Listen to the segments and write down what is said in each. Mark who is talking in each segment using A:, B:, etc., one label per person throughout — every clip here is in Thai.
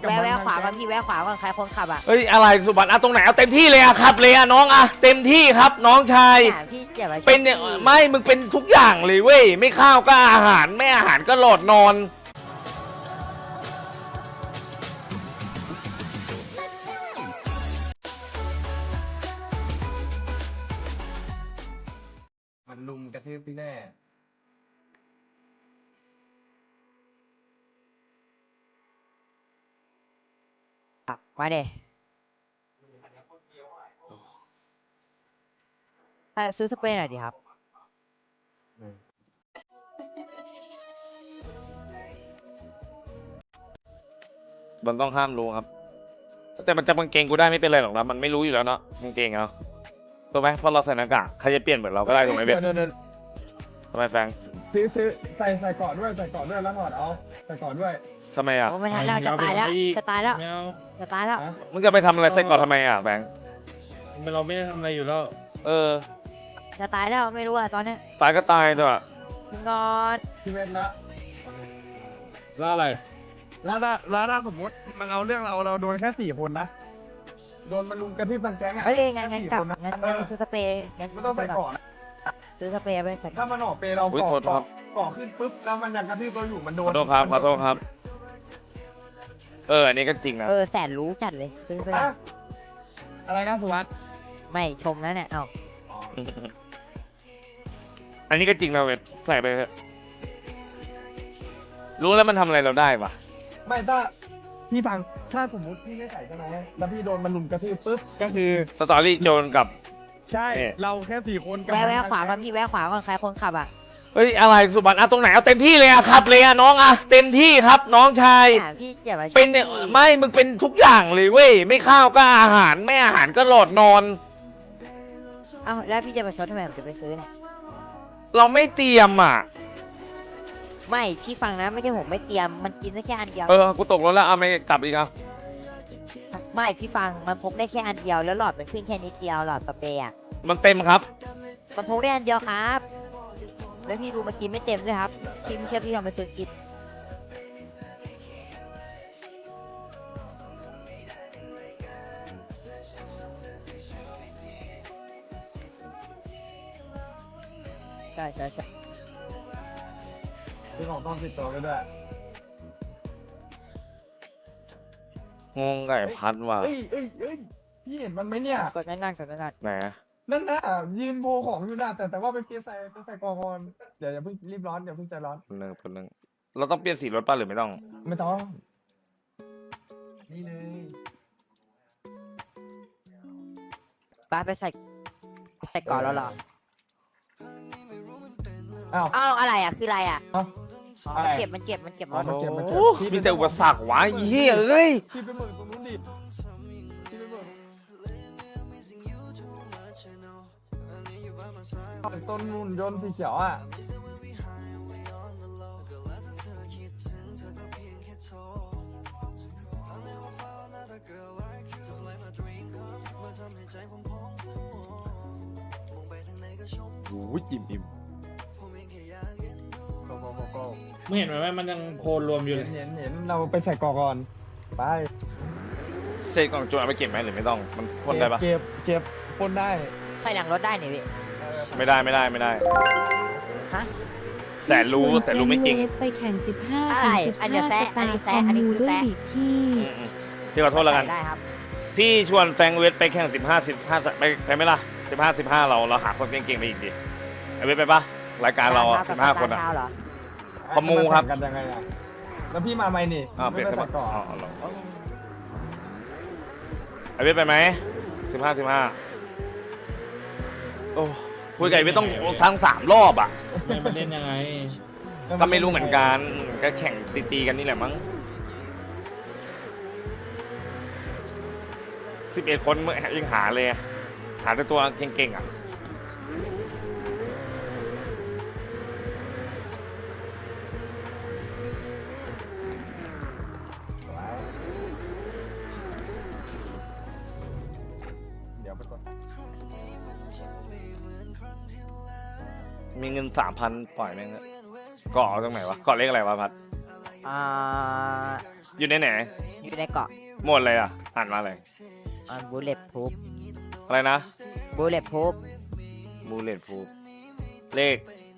A: แวะขวาก่อนพี่แวะขวาก่อนใครคนขับอ่ะ
B: เฮ้ยอะไรสุบันตรงไหนเอาเต็มที่เลยอะครับเลยอะน้องอะเต็มที่ครับน้องชาย
A: พี่อย่ามา
B: เป็นเนี่ยไม่มึงเป็นทุกอย่างเลยเว้ยไม่ข้าวก็อาหารไม่อาหารก็หลอดนอนมันลุมกระทืบพี่แน่
A: มาเด้ซื้อสเปรย์หน่อยดิครับ
B: มันต้องห้ามรู้ครับแต่มันจะกางเกงกูได้ไม่เป็นไรหรอกนะมันไม่รู้อยู่แล้วเนาะกางเกงเอาถูกไหมเพราะเราใส่หน้ากากใครจะเปลี่ยนเหมือนเราก็ได้ถูกไหมเบนทำไมแฟง
C: ซื้อใส่ก่อนด้วยแล้วถอดเอาใส่ก่อนด้วย
B: ทำไมอ่ะ
A: โอ้ไม่ทันแล้วจะตายแล้วจะตายแล้วจะตายแล้ว
B: มึงจะไปทำอะไรใส่ก่อนทำไมอ่ะแฟง
D: เราไม่ได้ทำอะไรอยู่แล้ว
B: เออ
A: จะตายแล้วไม่รู้อ่ะตอนนี้
B: ตายก็ตายเถอะ
A: มึงก่อน
C: พี่เวทละ
D: แล้วอะไร
C: แล้วถ้าสมมติมันเอาเรื่องเราโดนแค่4 คนนะโดนมันลุมกระทืบทั้งแก๊งอ่ะ
A: เฮ้ยงั้นกลับงั้นซื้อสเปรย์งั้น
C: ไม่ต้องใส่ก่อน
A: ซื้อสเปรย์ไปใส่
C: ถ้ามันออกเปเราก่อขึ้นปุ๊บแล้วมันยังกระทืบเราอยู่มันโด
B: ข
C: น
B: อโทษครับขอโทษครับอันนี้ก็จริงนะ
A: แสนรู้จัดเลยซื้อไป
C: อะไรนะสุวัสด์
A: ไม่ชมแล้วเนี่ยเอ้า
B: อันนี้ก็จริงนะเว้ยใส่ไปเถอะรู้แล้วมันทำอะไรเราได้ปะ
C: ไม่ถ้าพี่ฟังถ้าสมมติพี่ไม่ใส่ใช่ไหมแล้วพี่โดนมันลุมกระทืบปุ๊บก็คือ
B: สตอรี่โจรกับ
C: ใช่เราแค่4 คนกับ
A: แวะขวาก่อนพี่แวะขวาก่อนใครคนขับอ่ะ
B: เฮ้ยอะไรสุบันตรงไหนเอาเต็มที่เลยอะครับเลยอะน้องอะเต็มที่ครับน้องชาย
A: พี่อย่ามา
B: เป็นเนี่ยไม่มึงเป็นทุกอย่างเลยเว้ยไม่ข้าวก็อาหารไม่อาหารก็หลอดนอน
A: เอ้าแล้วพี่จะไปชดทำไมผมจะไปซื้อเนี่ย
B: เราไม่เตรียมอ่ะ
A: ไม่พี่ฟังนะไม่ใช่ผมไม่เตรียมมันกินได้แค่อันเดียว
B: กูตกรถแล้วเอาไม่กลับอีกอ่ะ
A: ไม่พี่ฟังมันพกได้แค่อันเดียวแล้วหลอดมันขึ้นแค่นิดเดียวหลอดสเปรย์อ่ะ
B: มันเต็มครับ
A: มันพกได้อันเดียวครับแล้วพี่ดูมากินไม่เต็มด้วยครับพี่ไม่เชื่อพี่ลองไปซื้อกินใช่
C: ซื้อของต้องติดตัวไปด้วย
B: งงไก่พัดว่ะ
C: เอ้ยพี่เห็นมันไหมเนี่ย
A: กดนั่นๆ
B: ไหน
C: นั่นนะยืนโพของอยู่นะแต่ว่าไปเปลี่ยนใส่กองก่อนเดี๋ยวอย่าเพิ่งรีบร้อนอย่าเพิ่งใจร้อน
B: คนหนึ่งเราต้องเปลี่ยนสีรถป่ะหรือไม่ต้อง
C: ไม่ต้องนี่เลย
A: ป้าไปใส่ก่อนแล้วเหรอ
C: อ้าว
A: อ้าวอะไรอ่ะคืออะไรอ่ะ
C: อะไร
A: มันเก็บร
C: อ๋อ
A: ถ
C: มันเก็บ
B: โอ้มีแต่อุปสรรควะไอ้เหี้ยเอ้ย
C: พี่ไปเบิกตรงนู้นดิพี่ไปเบิกต้นนุ่นยนต์สีเขียวอ่ะ
B: โอ้ยอิ่ม
C: โก้
D: ไม่เห็นไหมว่ามันยังโพลรวมอยู่เลย
C: เห็นเราไปใส่กองก่อนไป
B: เศษกล่องโจรเอาไปเก็บไหมหรือไม่ต้องมันพ่นได้ปะ
C: เก็บพ่นได้
A: ใส่หลังรถได้นี่พี่
B: ไม่ได้
A: ฮะ
B: แต่รู้ไม่จริง
E: ไปแข่ง15
A: อะไรอันเดียวแซะอันนี้แซะอันนี้คือแซะ
E: ด้วยดิพี่
B: พี่ขอโทษแล้วกัน
A: ได้ครับ
B: พี่ชวนแฟงเวทไปแข่ง15ไปไหมล่ะ15เราหาคนเก่งๆไปอีกดิไอเวทไปปะรายการเราอ่ะ15 คนอ่ะ
A: เหรอ
B: ขโมยครับ
C: กันยังไงอ่ะแล้วพี่มาไหมนี่
B: เปลี่ยน
C: ไม่
B: ใช่
C: ไป
B: ปะ
C: ใส่ก่อน
B: ไอเวทไปไหม15โอ้คุยกับไอเวทต้องทั้ง3 รอบอ่ะ
D: ไม่มาเล่นยังไง
B: ก็ไม่รู้เหมือนกันก็แข่งตีกันนี่แหละมั้ง11 คนยังหาเลยหาแต่ตัวเก่งๆอ่ะ
C: เดี๋ยวไปก่อน
B: มีเงิน 3,000 ปล่อยแม่งเกาะเอาตรงไหนวะเกาะเลขอะไรวะพัด
A: อ่า
B: อยู่ในไหน
A: อยู่ในเกาะ
B: หมดเลยอ่ะอ่านมาเลย
A: บูเลตพูฟ
B: อะไรนะ
A: บูเลตพูฟ
B: บูเลตพูเลข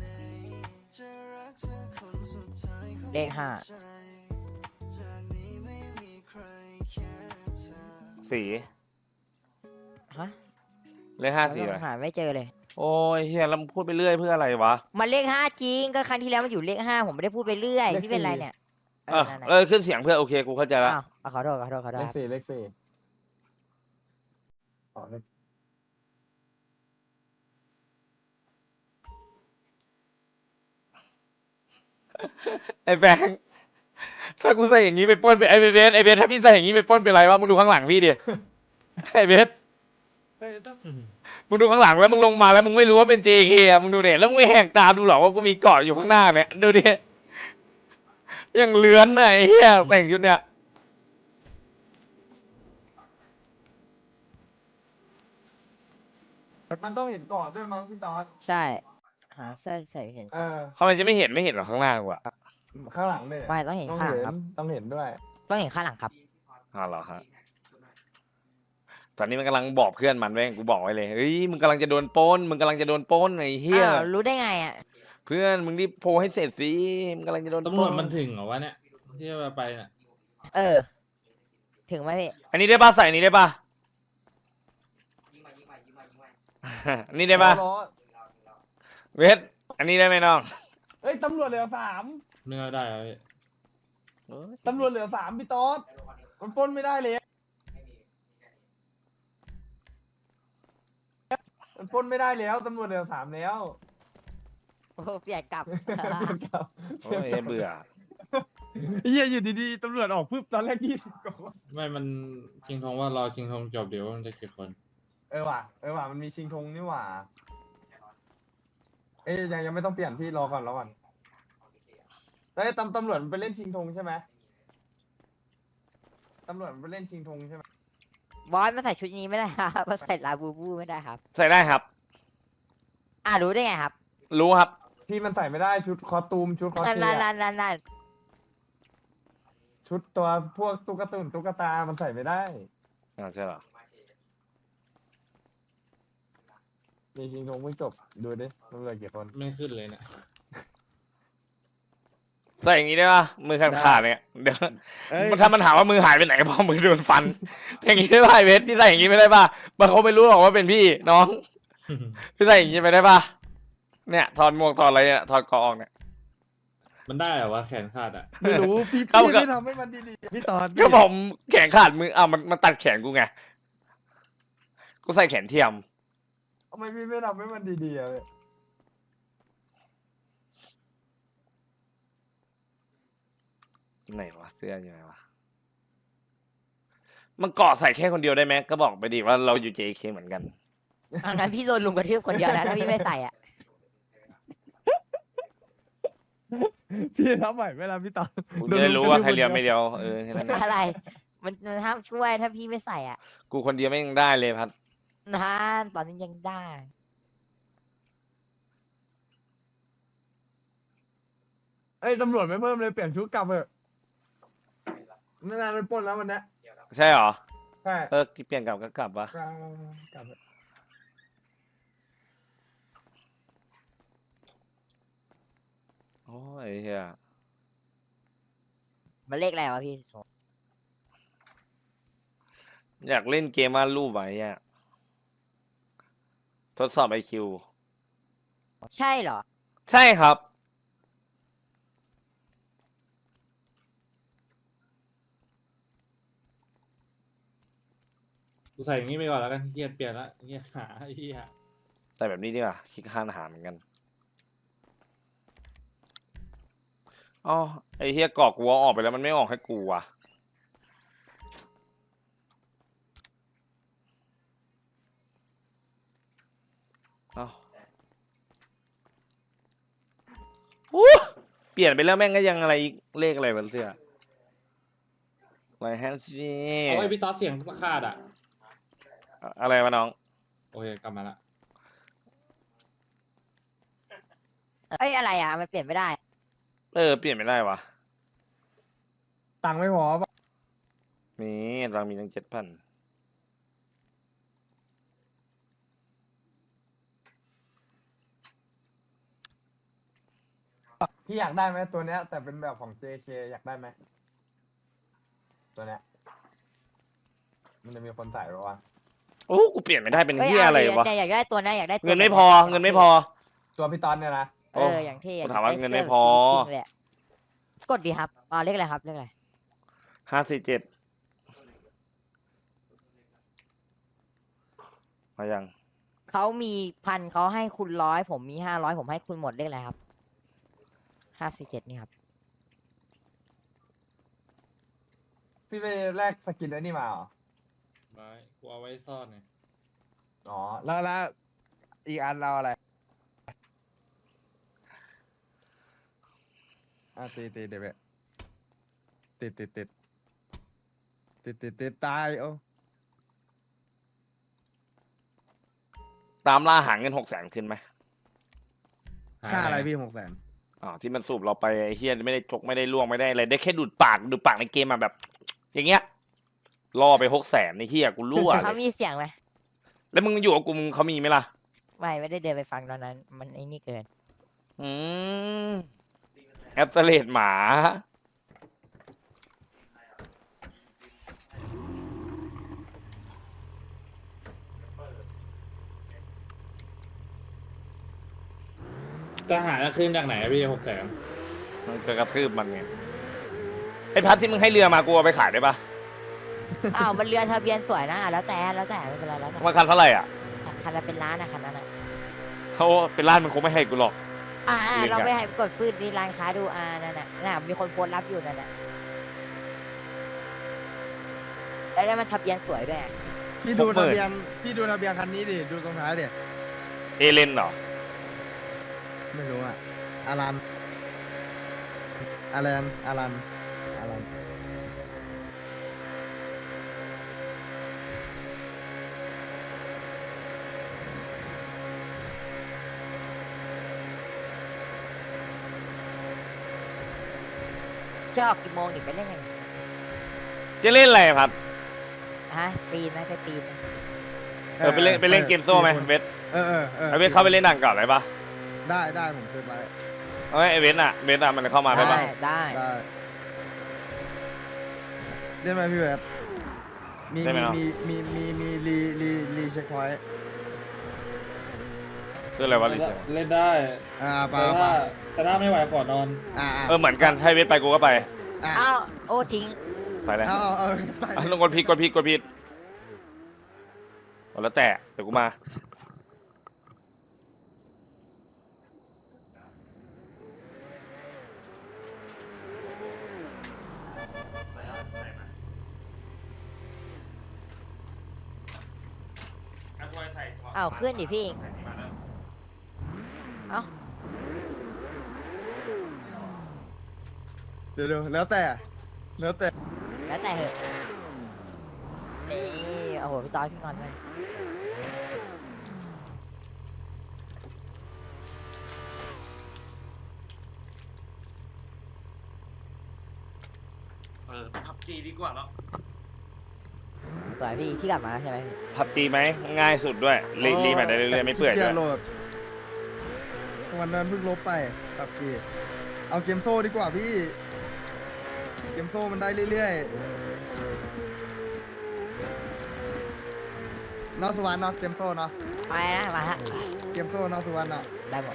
A: เลขห้า
B: สี
A: ฮะ
B: เลขห้าสีอะไร
A: หาไม่เจอเลย
B: โอ้ยเฮียแล้วมึงพูดไปเรื่อยเพื่ออะไรวะ
A: มันเลขห้าจริงก็ครั้งที่แล้วมันอยู่เลขห้าผมไม่ได้พูดไปเรื่อยพี่เป็นไรเนี่ยนั่นน่ะ
B: ขึ้นเสียงเพื่อโอเคกูเข้าใจแล้ว
A: อ้าวขอโทษ
C: เล
A: ครับ
C: ขสี่เลขสี่อ๋อเลข
B: ไอ้แบงค์ถ้ากูใส่อย่างนี้ไปปล้นไปไอ้เบสถ้าพี่ใส่อย่างนี้ไปปล้นเป็นไรวะมึงดูข้างหลังพี่ดิไอ้เบสมึงดูข้างหลังแล้วมึงลงมาแล้วมึงไม่รู้ว่าเป็น JK อ่ะมึงดูเด็แล้วมึงไม่แหกตาดูหรอว่ากูมีเกาะอยู่ข้างหน้าเนี่ยดูดิยังเลื้อนน่ะไอ้เหี้ยแต่งชุดเนี่ย
C: มันต้องเห็นก่อนด้วยมั้งพี่ตอน
A: ใช่หาเสื้อใส่เห็น
B: เขามันจะไม่เห็นหรอข้างหน้ากูอ่ะ
C: ข้างหลังเนี่ย
A: ไม่ต้องเห็นข้างหลังครับ
C: ต้องเห็นด้วย
A: ต้องเห็นข้างหลังครับ
B: อ๋อเหรอฮะตอนนี้มันกำลังบอกเพื่อนมันเว้ยกูบอกไว้เลยเฮ้ยมึงกำลังจะโดนปล้นมึงกำลังจะโดนปล้นไอ้เหี้ย
A: อ้าวรู้ได้ไงอ่ะ
B: เพื่อนมึงรีบโพลให้เสร็จสิมึงกำลังจะโดนป
D: ตำร
B: ล้ว
D: จ
B: น
D: มันถึงเหรอวะเนี่ยที่เราไปน่ะ
A: ถึงไหมพี่
B: อันนี้ได้ป่ะใส่อันนี้ได้ป่ะ อันนี้ได้ป่ะ
C: ล้อ
B: เวทอันนี้ได้ไหมน้อง
C: เฮ้ยตำรวจเหลือสาม
D: เนื้อได้เหรอพี่
C: ตำรวจเหลือสามพี่ต๊อดมันปล้นไม่ได้เลยมันปล้นไม่ได้แล้วตำรวจเหลือสามแล้ว
A: โอ้เปลี่ยนกลับ
C: เปลี่ยนกลับ
B: โอ้ยเบื่อ
C: เฮียอยู่ดีๆตำรวจออกปุ๊บตอนแรก20 กว่า
D: ไม่มันชิงทองว่ารอชิงทองจบเดี๋ยวมันจะกี่คน
C: เออว่ะมันมีชิงธงนี่หว่าเอ้ยยังไม่ต้องเปลี่ยนพี่รอก่อนแล้วไอ้ตำรวจมันไปเล่นชิงธงใช่ไหมตำรวจมันไปเล่นชิงธงใช่ไหม
A: บอสมาใส่ชุดนี้ไม่ได้ครับมาใส่ลาบูบูไม่ได้ครับ
B: ใส่ได้ครับ
A: รู้ได้ไงครับ
B: รู้ครับ
C: พี่มันใส่ไม่ได้ชุดคอสตูมชุดคอส
A: นั่น
C: เพลย์
A: นั่น
C: ชุดตัวพวกตุ๊กตามันใส่ไม่ได้
B: ใช่เหรอ
C: มีชิงธงไม่จบดูดิตำรวจกี่คน
D: ไม่ขึ้นเลยเนี่ย
B: ใส่อย่างนี้ได้ป่ะมือขาดเนี่ยเดี๋ยวถ้ามันถามว่ามือหายไปไหนเพราะมือโดนฟัน อย่างนี้ได้ป่ะไอ้เวทพี่ใส่อย่างนี้ไม่ได้ป่ะบางเขาไม่รู้หรอกว่าเป็นพี่น้องพี่ใส่อย่างนี้ไปได้ป่ะเนี่ยถอดหมวกถอดอะไรเนี่ยถอดเกาะออกเนี่ย
D: มันได้เหรอวะแขนขาดอ่ะ
C: ไม่รู้พี่
B: เข้ากับ
C: ไม่ทำให้มันดีๆพี่ตอน
B: ก็ผมแขนขาดมือมันตัดแขนกูไงกูใส่แขนเทียม
C: ทำไมพี่ไม่ทำให้มันดีๆอะพี่
B: ไหนวะเสื้ออยู่ไหนวะมันเกาะใส่แค่คนเดียวได้ไหมก็บอกไปดิว่าเราอยู่ JK เหมือนกัน
A: งั้นพี่โดนลุงกระทืบคนเดียวนะถ้าพี่ไม่ใส่อ่ะ
C: พี่ทำใหม่เวลาพี่ตอน
B: กูจะได้รู้ว่าใครเดียวไม่เดียวแค่นั้นเอง
A: อะไร มันห้ามช่วยถ้าพี่ไม่ใส่อ่ะ
B: กูคนเดียวไม่ยังได้เลยพัด
A: นั่นตอนนี้ยังได้
C: เอ้ยตำรวจไม่เพิ่มเลยเปลี่ยนชุดกลับเถอะไม่นานไปปล้นแล้ววันเนี้ย
B: ใช่เหรอ
C: ใช่
B: เปลี่ยนกลับก็กลับวะ
C: กลับเถอะ
B: โอ้ยเฮีย
A: มันเลขอะไรวะพี่
B: อยากเล่นเกมวาดรูปไว้อะทดสอบ IQ
A: ใช่เหรอ
B: ใช่ครับ
D: กูใส่อย่างนี้ไปก่อนแล้วกันเกียดเปลี่ยนละเกียดหาไอ้เหี้ย
B: ใส่แบบนี้ดีกว่าคิดค่าอาหารเหมือนกันอ๋อไอเฮียกรอกกูเอาออกไปแล้วมันไม่ออกให้กูว่ะเอ้าอู้เปลี่ยนไปแล้วแม่งก็ยังอะไรอีกเลขอะไรบนเสื้อไรแฮนซี่
D: เอาไอ้พี่ต๊อดเสียงขาดอ่ะ
B: อะไรวะน้อง
D: โอเคกลับมาละ
A: เอ้ยอะไรอ่ะมันเปลี่ยนไม่ได้
B: เปลี่ยนไม่ได้วะ
C: ตังค์ไม่พอปะ
B: ตังค์มีตั้ง7,000
C: พี่อยากได้ไหมตัวเนี้ย แต่เป็นแบบของ JK อยากได้ไหมตัวเนี้ยมันจะมีคนใส่หรอวะ
B: โอ้กูเปลี่ยนไม่ได้เป็น
A: เอ้ย
B: เฮียอะไร
A: เอาดิ
B: วะ
A: แต่อยากได้ตัวนะอยากได้ตัว
B: เงินไม่พอเงินไม่พอ
C: ตัวพี่ตอนเนี่ยนะ
A: เอออย่างที่
B: กูถามว่าเงินไม่พอ
A: จริงเลยอะกดดีครับเลขอะไรครับเลขอะไร
B: 547มายัง
A: เขามี1,000เขาให้คุณ100ผมมี500ผมให้คุณหมดเลขอะไรครับ547นี่ครับ
C: พี่ไปแลกสกินไอ้นี่มาเหรอ
D: ไว้กูเอาไว้ซ่อนไง
C: อ๋อแล้วอีกอันเราอะไรตีเดี๋ยวติดตายโอ้
B: ตามล่าหาเงิน600,000ขึ้นไหม
C: ค่าอะไรพี่600,000
B: อ๋อที่มันสูบเราไปไอ้เฮียไม่ได้ชกไม่ได้ล่วงไม่ได้อะไรได้แค่ดูดปากในเกมมาแบบ อย่างเงี้ยล่อไป600,000ในเฮียกูรั่ว
A: เขา
B: เลย
A: มีเสียงไหม
B: แล้วมึงอยู่กับกูมึงเขามีไหมล่ะ
A: ไม่ได้เดินไปฟังตอนนั้น มันไอ้นี่เกิน
B: อืมแอปเสเลดหมา
D: จะหาจะขึ้นจากไหนอะพี่600,000
B: มันจะกระทืบมันไงไอ้พัดที่มึงให้เรือมากูเอาไปขายได้ปะ
A: อ้าวมันเรือทะเบียนสวยนะแล้วแต่ไม่เป็นไรแล้วแต่
B: มันคันเท่าไหร่อ่ะ
A: คันละเป็นล้านนะคันนั้นอ่ะ
B: เขาเป็นร้านมันคงไม่ให้กูหรอก เรียก
A: เรา
B: อะ
A: ไปให้กดฟืดมีร้านค้าดูนั่นน่ะมีคนโพสต์รับอยู่นั่นน่ะแล้วมันทะเบียนสวยด้วย
C: พี่ดูทะเบียนคันนี้ดิดูตรงท้ายดิ
B: เอเลนเหรอ
C: ไม่รู้อ่ะอารัน
A: จะออกกี่โมงถึงไปเล่นไง
B: จะเล่นอะไรพัด
A: ปีนไหมไปปีนไหม
B: ไปเล่นเกมโซ่ไหมเวท
C: เออ
B: ไอเวทเข้าไปเล่นหนังก่อนเลยปะ
C: ได้ผมเคยไป
B: เอ้ยไอเวทอ่ะมันเข้ามาได้ปะ
A: ได้
C: เล่นไหมพี่เวทมี
B: ได้ไหมเนาะ
C: มีรีเช็คพอยต์
B: คืออะไรวะลิเช
D: เล่นได้
C: ไป
D: แต่ถ้าไม่ไหวขอนอน
B: เหมือนกันให้เวทไปกูก็ไป
A: อ้าวโอ้ทิ้ง
B: ไปเลย
C: เอาไป
B: ลงกดผิดแล้วแต่เดี๋ยวกูมา
A: อ้าวขึ้นดิพี่เอ้า
C: เดี๋ยวแล้วแต่
A: แล้วแต่เหอะนี่โอ้โหพี่ต้อยพี่นอนไป
B: พับจีดีกว่าแล้ว
A: สวยพี่กลับมาใช่ไหมพี่
B: พับจีไหมง่ายสุดด้วยรีใหม่ได้เรื่อยๆไม่เปื่อยด้วย
C: โหลดวันนั้นเพิ่งลบไปครับพี่เอาเกมโซ่ดีกว่าพี่เกมโซ่มันได้เรื่อยๆนอกสุวรรณเนาะเกมโซ่เนาะ
A: ไปนะมาฮะ
C: เกมโซ่นอกสุวรรณเนาะ
A: ได้หมด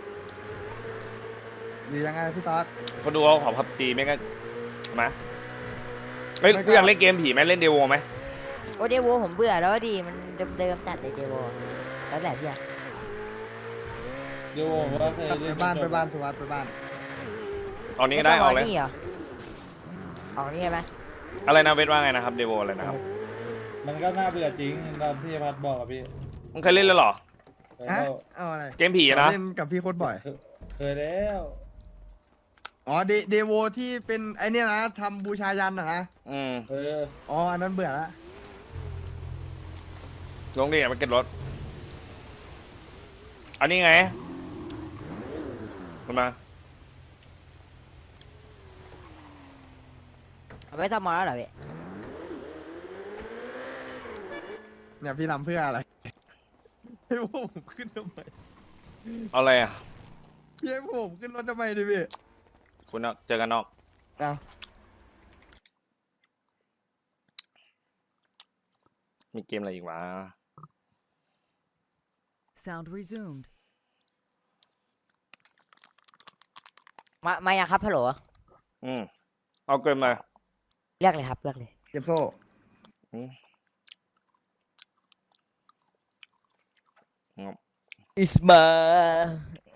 C: หรือยังไงพี่ต๊อด
B: คนดูเขาขอพับจีไม่ก็มาเฮ้ยกูอยากเล่นเกมผีไหมเล่นเดโวไหม
A: โอ้เดโวผมเบื่อแล้วดิมันเดิมๆจัดเลยเดโวแล้วแต่พี่อะ
D: เดี๋ยวผมว่าเคย
C: ไป
D: เล่น
C: บ้านสุวรรณไปบ้าน
B: เอานี้ก็ได้เอาเลย
A: นี่เหรอออกนี่ได้ไหม
B: อะไรนะเวทว่าไงนะครับเดโวอะไรนะครับ
D: มันก็น่าเบื่อจริงตามที่พัดบอกอะพี่
B: มึงเคยเล่นแล้วเหรอ
D: เคย
C: ฮะ
D: แล้ว
C: เอาอะไร
B: เกมผีอะนะ
C: เล่นกับพี่โคตรบ่อย
D: เคยแล้ว
C: อ๋อเดโวที่เป็นไอเนี้ยนะทำบูชายันนะ
D: เออ
C: อ๋ออันนั้นเบื่อละ
B: ลงดิมาเก็ตรถอันนี้ไงขึ้นมา
A: เอาไว้ทำมอแล้วเหรอพี่
C: เนี่ยพี่ทำเพื่ออะไรให้พวกผมขึ้นทำไม
B: เอาอะไรอ่ะ
C: พี่ให้พวกผมขึ้นรถทำไมดิพี่
B: คุณเจอกันนอก
C: เอา
B: มีเกมอะไรอีกวะ
E: Sound resumed.
A: มายังครับฮัลโหล
B: เอาเกินมา
A: เรียกเลยครับเรียกเลย
C: เก็บโซ่
A: อิสมา